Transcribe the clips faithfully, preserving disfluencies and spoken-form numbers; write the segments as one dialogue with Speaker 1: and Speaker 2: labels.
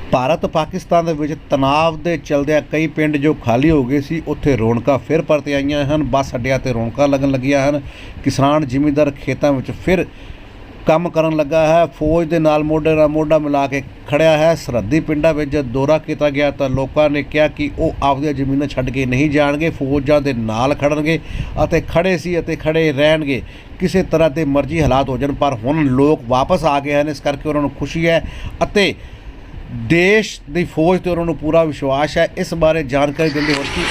Speaker 1: ਭਾਰਤ ਪਾਕਿਸਤਾਨ ਦੇ ਵਿੱਚ ਤਣਾਅ ਦੇ ਚਲਦਿਆਂ ਕਈ ਪਿੰਡ ਜੋ ਖਾਲੀ ਹੋ ਗਏ ਸੀ ਉੱਥੇ ਰੌਣਕਾਂ ਫਿਰ ਪਰਤ ਆਈਆਂ ਹਨ। ਬੱਸ ਅੱਡਿਆਂ ਤੇ ਰੌਣਕਾਂ ਲੱਗਣ ਲੱਗੀਆਂ ਹਨ। ਕਿਸਾਨ ਜ਼ਿਮੀਂਦਾਰ ਖੇਤਾਂ ਵਿੱਚ ਫਿਰ ਕੰਮ ਕਰਨ ਲੱਗਾ ਹੈ। ਫੌਜ ਦੇ ਨਾਲ ਮੋਢੇ ਨਾਲ ਮੋਢਾ ਮਿਲਾ ਕੇ ਖੜਿਆ ਹੈ। ਸਰਹੱਦੀ ਪਿੰਡਾਂ ਵਿੱਚ ਜਦ ਦੌਰਾ ਕੀਤਾ ਗਿਆ ਤਾਂ ਲੋਕਾਂ ਨੇ ਕਿਹਾ ਕਿ ਉਹ ਆਪਦੀਆਂ ਜ਼ਮੀਨਾਂ ਛੱਡ ਕੇ ਨਹੀਂ ਜਾਣਗੇ, ਫੌਜਾਂ ਦੇ ਨਾਲ ਖੜਨਗੇ ਅਤੇ ਖੜੇ ਸੀ ਅਤੇ ਖੜੇ ਰਹਿਣਗੇ ਕਿਸੇ ਤਰ੍ਹਾਂ ਦੇ ਮਰਜ਼ੀ ਹਾਲਾਤ ਹੋ ਜਾਣ। ਪਰ ਹੁਣ ਲੋਕ ਵਾਪਸ ਆ ਗਏ ਹਨ, ਇਸ ਕਰਕੇ ਉਹਨਾਂ ਨੂੰ ਖੁਸ਼ੀ ਹੈ ਅਤੇ देश की फौज तो उन्होंने पूरा विश्वास है। इस बारे जानकारी देंगे और की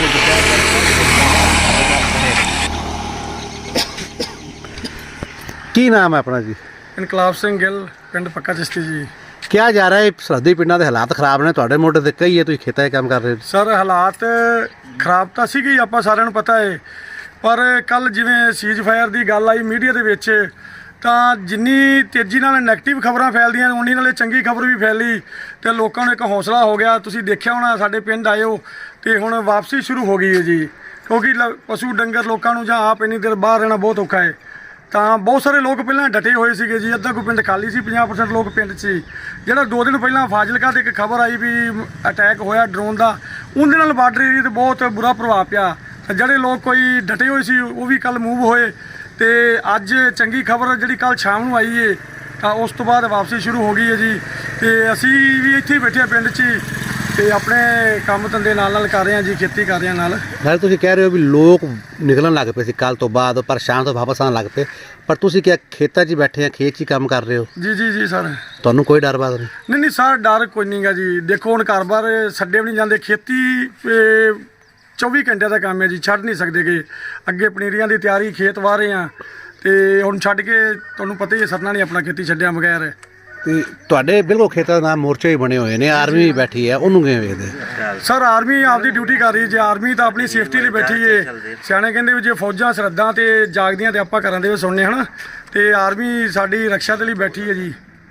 Speaker 1: की नाम है अपना जी?
Speaker 2: इनकलाब सिंह गिल, पिंड पक्का चिश्ती जी।
Speaker 1: क्या जा रहा है सरहदी पिंडों के हालात खराब ने, तुहाडे मोढे ते कई है, तुसीं खेतां 'च काम कर रहे हो?
Speaker 2: सर हालात खराब तो सीगे आपां सारिआं नूं पता है, पर कल जिवें सीज फायर की गल आई मीडिया दे विच ਤਾਂ ਜਿੰਨੀ ਤੇਜ਼ੀ ਨਾਲ ਨੈਗੇਟਿਵ ਖਬਰਾਂ ਫੈਲਦੀਆਂ ਉਨੀ ਨਾਲੇ ਚੰਗੀ ਖਬਰ ਵੀ ਫੈਲੀ ਤੇ ਲੋਕਾਂ ਨੂੰ ਇੱਕ ਹੌਸਲਾ ਹੋ ਗਿਆ। ਤੁਸੀਂ ਦੇਖਿਆ ਹੋਣਾ ਸਾਡੇ ਪਿੰਡ ਆਇਓ ਤੇ ਹੁਣ ਵਾਪਸੀ ਸ਼ੁਰੂ ਹੋ ਗਈ ਹੈ ਜੀ, ਕਿਉਂਕਿ ਪਸ਼ੂ ਡੰਗਰ ਲੋਕਾਂ ਨੂੰ ਜਾਂ ਆਪ ਇੰਨੀ ਦੇਰ ਬਾਹਰ ਰਹਿਣਾ ਬਹੁਤ ਔਖਾ ਹੈ। ਤਾਂ ਬਹੁਤ ਸਾਰੇ ਲੋਕ ਪਹਿਲਾਂ ਡਟੇ ਹੋਏ ਸੀਗੇ ਜੀ, ਅੱਧਾ ਕੋਈ ਪਿੰਡ ਖਾਲੀ ਸੀ, ਪੰਜਾਹ ਪਰਸੈਂਟ ਲੋਕ ਪਿੰਡ 'ਚ ਸੀ। ਜਿਹੜਾ ਦੋ ਦਿਨ ਪਹਿਲਾਂ ਫਾਜ਼ਿਲਕਾ ਤੇ ਇੱਕ ਖਬਰ ਆਈ ਵੀ ਅਟੈਕ ਹੋਇਆ ਡਰੋਨ ਦਾ, ਉਹਦੇ ਨਾਲ ਬਾਰਡਰ ਏਰੀਏ 'ਤੇ ਬਹੁਤ ਬੁਰਾ ਪ੍ਰਭਾਵ ਪਿਆ। ਤਾਂ ਜਿਹੜੇ ਲੋਕ ਕੋਈ ਡਟੇ ਹੋਏ ਸੀ ਉਹ ਵੀ ਕੱਲ੍ਹ ਮੂਵ ਹੋਏ ਤੇ ਅੱਜ ਚੰਗੀ ਖਬਰ ਜਿਹੜੀ ਕੱਲ ਸ਼ਾਮ ਨੂੰ ਆਈ ਏ ਤਾਂ ਉਸ ਤੋਂ ਬਾਅਦ ਵਾਪਸੀ ਸ਼ੁਰੂ ਹੋ ਗਈ ਹੈ ਜੀ। ਤੇ ਅਸੀਂ ਵੀ ਇੱਥੇ ਹੀ ਬੈਠੇ ਆ ਪਿੰਡ 'ਚ ਹੀ ਤੇ ਆਪਣੇ ਕੰਮ ਧੰਦੇ ਨਾਲ ਨਾਲ ਕਰ ਰਹੇ ਹਾਂ ਜੀ, ਖੇਤੀ ਕਰ ਰਹੇ ਹਾਂ ਨਾਲ।
Speaker 1: ਨਾਲੇ ਤੁਸੀਂ ਕਹਿ ਰਹੇ ਹੋ ਵੀ ਲੋਕ ਨਿਕਲਣ ਲੱਗ ਪਏ ਸੀ ਕੱਲ ਤੋਂ ਬਾਅਦ, ਪਰ ਸ਼ਾਮ ਤੋਂ ਵਾਪਸ ਆਉਣ ਲੱਗ ਪਏ, ਪਰ ਤੁਸੀਂ ਕਿਹਾ ਖੇਤਾਂ 'ਚ ਹੀ ਬੈਠੇ ਆ, ਖੇਤ 'ਚ ਹੀ ਕੰਮ ਕਰ ਰਹੇ ਹੋ?
Speaker 2: ਜੀ ਜੀ ਜੀ ਸਰ।
Speaker 1: ਤੁਹਾਨੂੰ ਕੋਈ ਡਰ ਬਾਤ ਨਹੀਂ?
Speaker 2: ਨਹੀਂ ਨਹੀਂ ਸਰ, ਡਰ ਕੋਈ ਨਹੀਂ ਗਾ ਜੀ। ਦੇਖੋ ਹੁਣ ਘਰ ਬਾਰ ਛੱਡੇ ਵੀ ਨਹੀਂ ਜਾਂਦੇ, ਖੇਤੀ ਚੌਵੀ ਘੰਟੇ ਦਾ ਕੰਮ ਹੈ ਜੀ, ਛੱਡ ਨਹੀਂ ਸਕਦੇ ਗੇ। ਅੱਗੇ ਪਨੀਰੀਆਂ ਦੀ ਤਿਆਰੀ, ਖੇਤ ਵਾਹ ਰਹੇ ਆ ਤੇ ਹੁਣ ਛੱਡ ਕੇ ਤੁਹਾਨੂੰ ਪਤਾ ਹੀ ਹੈ ਸਰਨਾ ਨਹੀਂ ਆਪਣਾ ਖੇਤੀ ਛੱਡਿਆ ਬਗੈਰ।
Speaker 1: ਤੇ ਤੁਹਾਡੇ ਬਿਲਕੁਲ ਖੇਤਾਂ ਦਾ ਮੋਰਚੇ ਹੀ ਬਣੇ ਹੋਏ ਨੇ, ਆਰਮੀ ਵੀ ਬੈਠੀ ਹੈ, ਉਹਨੂੰ ਕਿਵੇਂ ਵੇਖਦੇ?
Speaker 2: ਸਰ ਆਰਮੀ ਆਪਦੀ ਡਿਊਟੀ ਕਰ ਰਹੀ ਜੇ, ਆਰਮੀ ਤਾਂ ਆਪਣੀ ਸੇਫਟੀ ਲਈ ਬੈਠੀ ਏ। ਸਿਆਣੇ ਕਹਿੰਦੇ ਵੀ ਜੇ ਫੌਜਾਂ ਸਰਹੱਦਾਂ ਤੇ ਜਾਗਦੀਆਂ ਤੇ ਆਪਾਂ ਘਰਾਂ ਦੇ ਵਿੱਚ ਸੁਣਨੇ ਹਨ, ਤੇ ਆਰਮੀ ਸਾਡੀ ਰਕਸ਼ਾ ਦੇ ਲਈ ਬੈਠੀ ਹੈ ਜੀ।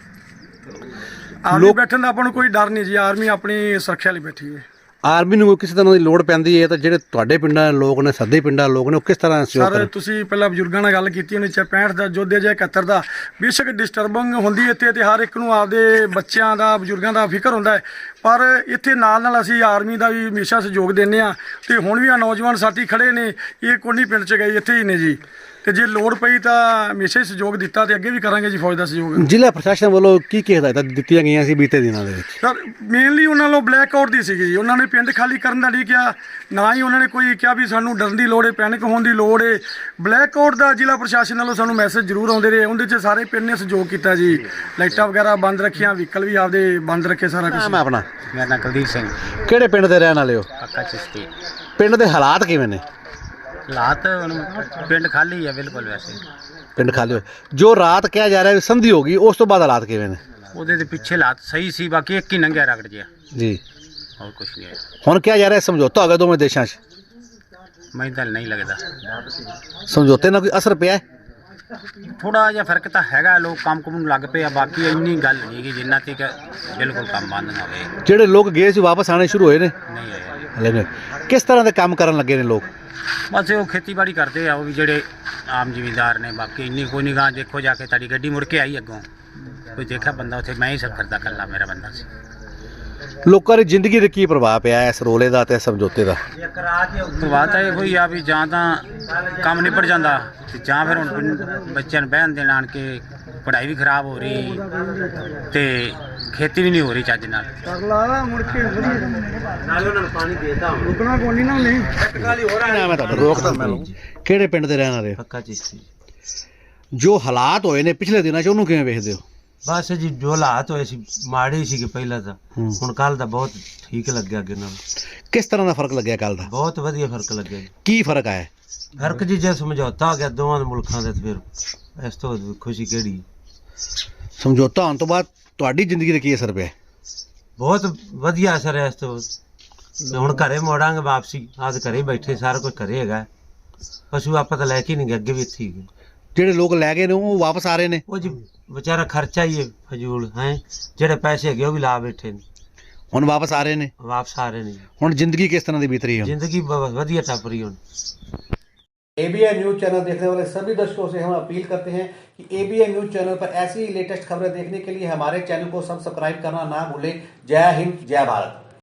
Speaker 2: ਆਰਮੀ ਬੈਠਣ ਦਾ ਆਪਾਂ ਨੂੰ ਕੋਈ ਡਰ ਨਹੀਂ ਜੀ, ਆਰਮੀ ਆਪਣੀ ਸੁਰੱਖਿਆ ਲਈ ਬੈਠੀ ਹੈ।
Speaker 1: ਆਰਮੀ ਨੂੰ ਕਿਸੇ ਤਰ੍ਹਾਂ ਦੀ ਲੋੜ ਪੈਂਦੀ ਹੈ ਤਾਂ ਜਿਹੜੇ ਤੁਹਾਡੇ ਪਿੰਡਾਂ ਦੇ ਲੋਕ ਨੇ, ਸਰਹੱਦੀ ਪਿੰਡਾਂ ਦੇ ਲੋਕ ਨੇ, ਉਹ ਕਿਸ ਤਰ੍ਹਾਂ ਸਹਿਯੋਗ ਕਰਨ?
Speaker 2: ਸਰ ਤੁਸੀਂ ਪਹਿਲਾਂ ਬਜ਼ੁਰਗਾਂ ਨਾਲ ਗੱਲ ਕੀਤੀ ਹੋਣੀ, ਚਾਹੇ ਪੈਂਹਠ ਦਾ ਯੋਧੇ ਜਾਂ ਇਕਹੱਤਰ ਦਾ, ਬੇਸ਼ੱਕ ਡਿਸਟਰਬਿੰਗ ਹੁੰਦੀ ਇੱਥੇ ਤੇ ਹਰ ਇੱਕ ਨੂੰ ਆਪਦੇ ਬੱਚਿਆਂ ਦਾ, ਬਜ਼ੁਰਗਾਂ ਦਾ ਫਿਕਰ ਹੁੰਦਾ ਹੈ, ਪਰ ਇੱਥੇ ਨਾਲ ਨਾਲ ਅਸੀਂ ਆਰਮੀ ਦਾ ਵੀ ਹਮੇਸ਼ਾ ਸਹਿਯੋਗ ਦਿੰਦੇ ਹਾਂ। ਤੇ ਹੁਣ ਵੀ ਆ ਨੌਜਵਾਨ ਸਾਥੀ ਖੜੇ ਨੇ, ਇਹ ਕੋਨੀ ਪਿੰਡ 'ਚ ਗਏ, ਇੱਥੇ ਹੀ ਨੇ ਜੀ। ਤੇ ਜੇ ਲੋੜ ਪਈ ਤਾਂ ਹਮੇਸ਼ਾ ਹੀ ਸਹਿਯੋਗ ਦਿੱਤਾ ਤੇ ਅੱਗੇ ਵੀ ਕਰਾਂਗੇ ਜੀ ਫੌਜ ਦਾ ਸਹਿਯੋਗ।
Speaker 1: ਜ਼ਿਲ੍ਹਾ ਪ੍ਰਸ਼ਾਸਨ ਵੱਲੋਂ ਕੀ ਕੀ ਹਦਾਇਤਾਂ ਦਿੱਤੀਆਂ ਗਈਆਂ ਸੀ ਬੀਤੇ ਦਿਨਾਂ ਦੇ ਵਿੱਚ?
Speaker 2: ਸਰ ਮੇਨਲੀ ਉਹਨਾਂ ਨੂੰ ਬਲੈਕ ਆਊਟ ਦੀ ਸੀਗੀ ਜੀ, ਉਹਨਾਂ ਨੇ ਪਿੰਡ ਖਾਲੀ ਕਰਨ ਦਾ ਨਹੀਂ ਕਿਹਾ, ਨਾ ਹੀ ਉਹਨਾਂ ਨੇ ਕੋਈ ਕਿਹਾ ਵੀ ਸਾਨੂੰ ਡਰਨ ਦੀ ਲੋੜ ਹੈ, ਪੈਨਿਕ ਹੋਣ ਦੀ ਲੋੜ ਹੈ। ਬਲੈਕ ਆਊਟ ਦਾ ਜ਼ਿਲ੍ਹਾ ਪ੍ਰਸ਼ਾਸਨ ਵੱਲੋਂ ਸਾਨੂੰ ਮੈਸੇਜ ਜ਼ਰੂਰ ਆਉਂਦੇ ਰਹੇ, ਉਹਦੇ 'ਚ ਸਾਰੇ ਪਿੰਡ ਨੇ ਸਹਿਯੋਗ ਕੀਤਾ ਜੀ। ਲਾਈਟਾਂ ਵਗੈਰਾ ਬੰਦ ਰੱਖੀਆਂ, ਵਹੀਕਲ ਵੀ ਆਪਦੇ ਬੰਦ ਰੱਖੇ, ਸਾਰਾ ਕੁਝ।
Speaker 1: ਮੈਂ ਆਪਣਾ
Speaker 3: ਮੇਰਾ ਨਾਮ ਕੁਲਦੀਪ ਸਿੰਘ।
Speaker 1: ਕਿਹੜੇ ਪਿੰਡ ਦੇ ਰਹਿਣ ਵਾਲੇ ਹੋ?
Speaker 3: ਪੱਕਾ ਚਿਸ਼ਤੀ।
Speaker 1: ਪਿੰਡ ਦੇ ਹਾਲਾਤ ਕਿਵੇਂ ਨੇ?
Speaker 3: ਹਾਲਾਤ ਹੁਣ ਪਿੰਡ ਖਾਲੀ ਹੈ ਬਿਲਕੁਲ, ਵੈਸੇ
Speaker 1: ਪਿੰਡ ਖਾਲੀ ਹੋ, ਜੋ ਰਾਤ ਕਿਹਾ ਜਾ ਰਿਹਾ ਵੀ ਸੰਧੀ ਹੋ ਗਈ, ਉਸ ਤੋਂ ਬਾਅਦ ਹਾਲਾਤ ਕਿਵੇਂ ਨੇ?
Speaker 3: ਉਹਦੇ ਦੇ ਪਿੱਛੇ ਹਾਲਾਤ ਸਹੀ ਸੀ, ਬਾਕੀ ਇੱਕ ਹੀ ਲੰਘਿਆ ਰਗੜ ਜਿਹਾ,
Speaker 1: ਜੀ
Speaker 3: ਹੋਰ ਕੁਝ ਨਹੀਂ ਹੈ।
Speaker 1: ਹੁਣ ਕਿਹਾ ਜਾ ਰਿਹਾ ਸਮਝੌਤਾ ਹੋ ਗਿਆ ਦੋਵੇਂ ਦੇਸ਼ਾਂ 'ਚ,
Speaker 3: ਮੈਨੂੰ ਤਾਂ ਨਹੀਂ ਲੱਗਦਾ
Speaker 1: ਸਮਝੌਤੇ ਨਾਲ ਕੋਈ ਅਸਰ ਪਿਆ?
Speaker 3: ਥੋੜਾ ਜਿਹਾ ਫਰਕ ਤਾਂ ਹੈਗਾ, ਲੋਕ ਕੰਮ ਕੁਮ ਨੂੰ ਲੱਗ ਪਏ ਆ, ਬਾਕੀ ਇੰਨੀ ਗੱਲ ਨਹੀਂ ਕਿ ਜਿੰਨਾ ਤੱਕ ਬਿਲਕੁਲ ਕੰਮ ਬੰਦ ਨਾ ਹੋਵੇ।
Speaker 1: ਜਿਹੜੇ ਲੋਕ ਗਏ ਸੀ ਵਾਪਸ ਆਣੇ ਸ਼ੁਰੂ ਹੋਏ ਨੇ?
Speaker 3: ਨਹੀਂ ਹੋਇਆ
Speaker 1: ਹਲੇ ਨੇ। ਕਿਸ ਤਰ੍ਹਾਂ ਦੇ ਕੰਮ ਕਰਨ ਲੱਗੇ ਨੇ ਲੋਕ?
Speaker 3: ਬਸ ਉਹ ਖੇਤੀਬਾੜੀ ਕਰਦੇ ਆ, ਉਹ ਵੀ ਜਿਹੜੇ ਆਮ ਜ਼ਿਮੀਂਦਾਰ ਨੇ। ਬਾਕੀ ਇੰਨੀ ਕੋਈ ਨਹੀਂ ਗਾ, ਦੇਖੋ ਜਾ ਕੇ ਤੁਹਾਡੀ ਗੱਡੀ ਮੁੜ ਕੇ ਆਈ ਅੱਗੋਂ, ਕੋਈ ਦੇਖਿਆ ਬੰਦਾ ਉੱਥੇ, ਮੈਂ ਹੀ ਸਭ ਕਰਦਾ, ਇਕੱਲਾ ਮੇਰਾ ਬੰਦਾ ਸੀ।
Speaker 1: ਲੋਕਾਂ ਦੀ ਜ਼ਿੰਦਗੀ 'ਤੇ ਕੀ ਪ੍ਰਭਾਵ ਪਿਆ ਇਸ ਰੋਲੇ ਦਾ ਤੇ ਸਮਝੌਤੇ ਦਾ?
Speaker 3: ਪ੍ਰਭਾਵ ਤਾਂ ਇਹੋ ਹੀ ਆ ਵੀ ਜਾਂ ਤਾਂ ਕੰਮ ਨਿਬੜ ਜਾਂਦਾ ਤੇ ਜਾਂ ਫਿਰ ਹੁਣ ਬੱਚਿਆਂ ਨੂੰ ਬਹਿਣ ਦੇਣ, ਆਣ ਕੇ ਪੜ੍ਹਾਈ ਵੀ ਖਰਾਬ ਹੋ ਰਹੀ ਤੇ ਖੇਤੀ ਵੀ ਨਹੀਂ ਹੋ ਰਹੀ ਚੱਜ ਨਾਲ।
Speaker 2: ਰੁਕਣਾ ਕੋਈ ਨਹੀਂ ਨਾ, ਨਹੀਂ
Speaker 1: ਮੈਂ ਤੁਹਾਡਾ ਰੋਕਦਾ ਮੈਨੂੰ। ਕਿਹੜੇ ਪਿੰਡ ਦੇ ਰਹਿਣ ਵਾਲੇ?
Speaker 4: ਪੱਕਾ ਚਿਸ਼ਤੀ।
Speaker 1: ਜੋ ਹਾਲਾਤ ਹੋਏ ਨੇ ਪਿਛਲੇ ਦਿਨਾਂ 'ਚ, ਉਹਨੂੰ ਕਿਵੇਂ ਵੇਖਦੇ ਹੋ?
Speaker 4: ਬਸ ਜੀ ਜੋ ਹਾਲਾਤ ਹੋਏ ਸੀ ਮਾੜੇ ਹੀ ਸੀਗੇ ਪਹਿਲਾਂ ਤਾਂ, ਹੁਣ ਕੱਲ ਦਾ ਬਹੁਤ ਠੀਕ ਲੱਗਿਆ ਅੱਗੇ ਨਾਲ।
Speaker 1: ਕਿਸ ਤਰ੍ਹਾਂ ਦਾ ਫਰਕ ਲੱਗਿਆ ਕੱਲ ਦਾ?
Speaker 4: ਬਹੁਤ ਵਧੀਆ ਫਰਕ ਲੱਗਿਆ ਜੀ।
Speaker 1: ਕੀ ਫਰਕ ਆਇਆ?
Speaker 4: ਫਰਕ ਜੀ ਜੇ ਸਮਝੌਤਾ ਹੋ ਗਿਆ ਦੋਵਾਂ ਦੇ ਮੁਲਕਾਂ ਦੇ, ਫਿਰ ਇਸ ਤੋਂ ਖੁਸ਼ੀ ਕਿਹੜੀ?
Speaker 1: ਸਮਝੌਤਾ ਹੋਣ ਤੋਂ ਬਾਅਦ ਤੁਹਾਡੀ ਜ਼ਿੰਦਗੀ 'ਤੇ ਕੀ ਅਸਰ ਪਿਆ?
Speaker 4: ਬਹੁਤ ਵਧੀਆ ਅਸਰ ਹੈ ਇਸ ਤੋਂ। ਹੁਣ ਘਰੇ ਮੋੜਾਂਗੇ ਵਾਪਸੀ, ਆਜ ਘਰੇ ਬੈਠੇ, ਸਾਰਾ ਕੁਝ ਘਰੇ ਹੈਗਾ। ਪਸ਼ੂ ਆਪਾਂ ਤਾਂ ਲੈ ਕੇ ਨਹੀਂ ਗਏ, ਅੱਗੇ ਵੀ ਇੱਥੇ ਹੀ।
Speaker 1: ਜਿਹੜੇ ਲੋਕ ਲੈ ਗਏ ਨੇ ਉਹ ਵਾਪਸ ਆ ਰਹੇ ਨੇ?
Speaker 4: ਉਹ ਜੀ ਵਿਚਾਰਾ ਖਰਚਾ ਹੀ ਹੈ ਫਜ਼ੂਲ ਹੈ, ਜਿਹੜੇ ਪੈਸੇ ਹੈਗੇ ਉਹ ਵੀ ਲਾ ਬੈਠੇ ਨੇ,
Speaker 1: ਹੁਣ ਵਾਪਸ ਆ ਰਹੇ ਨੇ?
Speaker 4: ਵਾਪਸ ਆ ਰਹੇ ਨੇ।
Speaker 1: ਹੁਣ ਜ਼ਿੰਦਗੀ ਕਿਸ ਤਰ੍ਹਾਂ ਦੀ ਬੀਤ ਰਹੀ ਹੈ?
Speaker 4: ਜ਼ਿੰਦਗੀ ਬ- ਵਧੀਆ ਟੱਪ ਰਹੀ ਹੁਣ।
Speaker 1: एबीएन न्यूज चैनल देखने वाले सभी दर्शकों से हम अपील करते हैं कि एबीएन न्यूज चैनल पर ऐसी ही लेटेस्ट खबरें देखने के लिए हमारे चैनल को सब्सक्राइब करना ना भूलें। जय हिंद, जय भारत।